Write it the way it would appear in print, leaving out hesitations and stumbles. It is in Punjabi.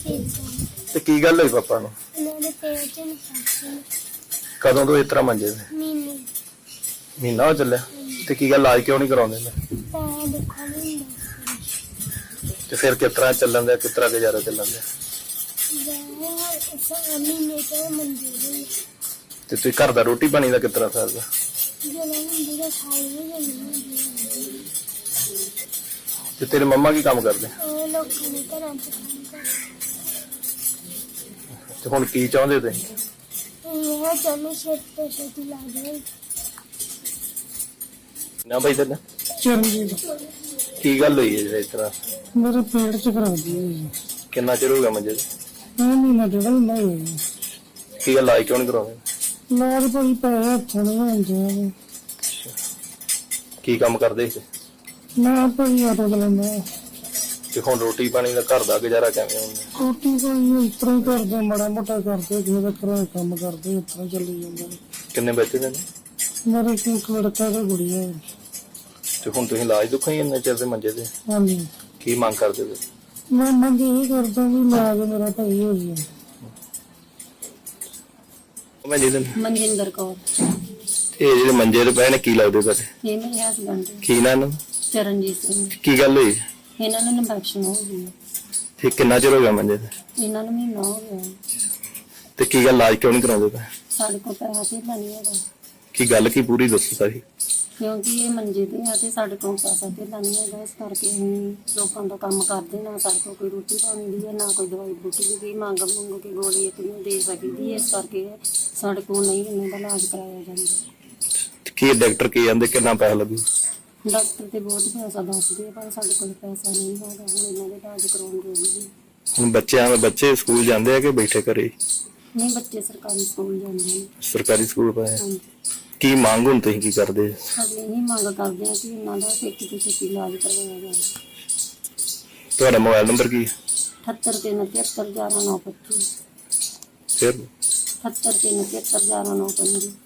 ਤੇ ਕੀ ਗੱਲ ਹੋਈ ਪਾਪਾ ਨੂੰ? ਮੇਰੇ ਪੇਟ ਚ ਇਨਫੈਕਸ਼ਨ ਕਦੋਂ ਤੋਂ ਇਸ ਤਰ੍ਹਾਂ ਮੰਜੇ ਤੇ? ਮਹੀਨਾ ਹੋ ਚੱਲਿਆ। ਤੇ ਕੀ ਗੱਲ ਇਲਾਜ ਕਿਉਂ ਨਹੀਂ ਕਰਾਉਂਦੇ ਨੇ? ਤਾਂ ਦੇਖੋ ਨਹੀਂ ਹੁੰਦਾ ਤੇ ਫਿਰ ਕਿਸ ਤਰ੍ਹਾਂ ਚੱਲਣ ਦਿਆ, ਕਿਸ ਤਰ੍ਹਾਂ ਗੁਜ਼ਾਰਾ ਚੱਲਣ ਦਿਆ? ਮਹੀਨੇ ਤੋਂ ਮੰਜੇ ਦੇ ਤੇ ਤੁਸੀਂ ਘਰ ਦਾ ਰੋਟੀ ਪਾਣੀ ਦਾ ਕਿਸ ਤਰ੍ਹਾਂ ਸਰਦਾ? ਜਦੋਂ ਹੁੰਦੀ ਤਾਂ ਖਾਈ ਨਹੀਂ ਜਾਂਦੀ। ਤੇ ਤੇਰੇ ਮੰਮਾ ਕੀ ਕੰਮ ਕਰਦੇ? ਉਹ ਲੋਕਾਂ ਨੇ ਘਰਾਂ ਚ ਕੰਮ ਕਰਦੇ। ਤੇ ਹੁਣ ਕੀ ਚਾਹੁੰਦੇ ਤੁਸੀਂ? ਇਹ ਚਾਹੁੰਦੇ ਛੇਤੀ ਤੋਂ ਛੇਤੀ ਇਲਾਜ ਹੋਏ। ਨਾ ਭਾਈ ਤੇਰਾ ਚਰਨਜੀਤ, ਕੀ ਗੱਲ ਹੋਈ ਹੈ ਜਿਹੜਾ ਇਸ ਤਰ੍ਹਾਂ? ਮੇਰੇ ਪੇਟ ਚ ਖਰਾਬੀ ਹੋਈ। ਕਿੰਨਾ ਚਿਰ ਹੋ ਗਿਆ ਮੰਜੇ ਤੇ? ਮਹੀਨਾ ਡੇਢ ਮਹੀਨਾ ਹੋ ਗਿਆ। ਕੀ ਗੱਲ ਇਲਾਜ ਕਿਉਂ ਨਹੀਂ ਕਰਾਉਂਦੇ? ਇਲਾਜ ਭਾਈ ਪੈਸੇ ਹੱਥੋਂ ਨਹੀਂ ਹੁੰਦੇ। ਕੀ ਕੰਮ ਕਰਦੇ ਸੀ? ਮੈਂ ਭਾਈ ਆਟੋ ਚਲਾਉਂਦਾ। ਤੇ ਹੁਣ ਰੋਟੀ ਪਾਣੀ ਦਾ ਘਰ ਦਾ ਗੁਜ਼ਾਰਾ ਕਿਵੇਂ ਹੁੰਦਾ? ਰੋਟੀ ਕੋਈ ਇਸ ਤਰ੍ਹਾਂ ਹੀ ਕਰਦੇ, ਮਾੜਾ ਮੋਟਾ ਕਰਦੇ, ਕਿਸੇ ਦਾ ਘਰ ਕੰਮ ਕਰਦੇ, ਇਸ ਤਰ੍ਹਾਂ ਚੱਲੀ ਜਾਂਦਾ। ਕਿੰਨੇ ਬੱਚੇ ਨੇ? ਮੇਰੇ ਕੋਲ ਇੱਕ ਲੜਕਾ ਤੇ ਗੁੜੀਆ ਹੈ। ਤੇ ਹੁਣ ਤੁਸੀਂ ਇਲਾਜ ਦੁੱਖਾਂ ਹੀ ਇੰਨੇ ਚਿਰ ਦੇ ਮੰਜੇ ਤੇ? ਹਾਂਜੀ, ਕੀ ਮੰਗ ਕਰਦੇ ਤੁਸੀਂ? ਮੈਂ ਮੰਗ ਇਹ ਕਰਦਾ ਵੀ ਇਲਾਜ ਮੇਰਾ ਭਾਈ ਹੋ ਜਾਏ। ਮੈਂ ਜਿਹਦੇ ਮਨਜਿੰਦਰ ਕੌਰ। ਇਹ ਜਿਹੜੇ ਮੰਜੇ ਤੇ ਪਏ ਨੇ ਕੀ ਲੱਗਦੇ ਤੁਹਾਡੇ? ਇਹ ਮੇਰੇ ਹਸਬੰਡ ਕੀ ਨਾ ਇਹਨਾਂ ਨੂੰ? ਚਰਨਜੀਤ ਸਿੰਘ। ਕੀ ਗੱਲ ਹੋਈ? ਇਹਨਾਂ ਨੂੰ ਇਨਫੈਕਸ਼ਨ ਹੋ ਗਈ। ਤੇ ਕਿੰਨਾ ਚਿਰ ਹੋ ਗਿਆ ਮੰਜੇ ਤੇ? ਇਹਨਾਂ ਨੂੰ ਮਹੀਨਾ ਹੋ ਗਿਆ। ਤੇ ਕੀ ਗੱਲ ਇਲਾਜ ਕਿਉਂ ਨਹੀਂ ਕਰਾਉਂਦੇ ਪਏ? ਸਾਡੇ ਕੋਲ ਪੈਸਾ ਧੇਲਾ ਨਹੀਂ ਹੈਗਾ, ਕੀ ਗੱਲ ਕੀ ਪੂਰੀ ਦੱਸੋ ਸਾਰੀ। ਕਿਉਂਕਿ ਇਹ ਮੰਜੇ ਤੇ ਆ ਤੇ ਸਾਡੇ ਕੋਲ ਪੈਸਾ ਧੇਲਾ ਨਹੀਂ ਹੈਗਾ। ਇਸ ਕਰਕੇ ਅਸੀਂ ਲੋਕਾਂ ਦਾ ਕੰਮ ਕਰਦੇ, ਨਾ ਸਾਡੇ ਕੋਲ ਕੋਈ ਰੋਟੀ ਪਾਣੀ ਦੀ ਹੈ, ਨਾ ਕੋਈ ਦਵਾਈ ਬੂਟੀ ਦੀ। ਕੋਈ ਮੰਗ ਕੇ ਗੋਲੀ ਇੱਕ ਨੂੰ ਦੇ ਸਕਦੀ ਹੈ। ਇਸ ਕਰਕੇ ਸਾਡੇ ਕੋਲ ਨਹੀਂ ਇਹਨਾਂ ਦਾ ਇਲਾਜ ਕਰਾਇਆ ਜਾਂਦਾ। ਕੀ ਡਾਕਟਰ ਕੀ ਕਹਿੰਦੇ ਕਿੰਨਾ ਪੈਸਾ ਲੱਗੂ? ਡਾਕਟਰ ਤੇ ਬਹੁਤ ਪੈਸਾ ਦੱਸਦੇ, ਪਰ ਸਾਡੇ ਕੋਲ ਪੈਸਾ ਨਹੀਂ ਹੈਗਾ ਹੁਣ ਇਹਨਾਂ ਦੇ ਇਲਾਜ ਕਰਾਉਣ ਜੋਗੇ। ਹੁਣ ਬੱਚੇ ਸਕੂਲ ਜਾਂਦੇ ਆ ਕਿ ਬੈਠੇ ਘਰੇ? ਨਹੀਂ, ਬੱਚੇ ਸਰਕਾਰੀ ਸਕੂਲ ਜਾਂਦੇ ਨੇ। ਸਰਕਾਰੀ ਸਕੂਲ ਪਏ? ਹਾਂਜੀ। ਕੀ ਮੰਗ ਹੁਣ ਤੁਸੀਂ ਕੀ ਕਰਦੇ? ਅਸੀਂ ਇਹੀ ਮੰਗ ਕਰਦੇ ਹਾਂ ਕਿ ਇਹਨਾਂ ਦਾ ਛੇਤੀ ਤੋਂ ਛੇਤੀ ਇਲਾਜ ਕਰਵਾਇਆ ਜਾਵੇ। ਤੁਹਾਡਾ ਮੋਬਾਈਲ ਨੰਬਰ ਕੀ ਹੈ? 78 373 11 925। ਫਿਰ 78 373 11 925।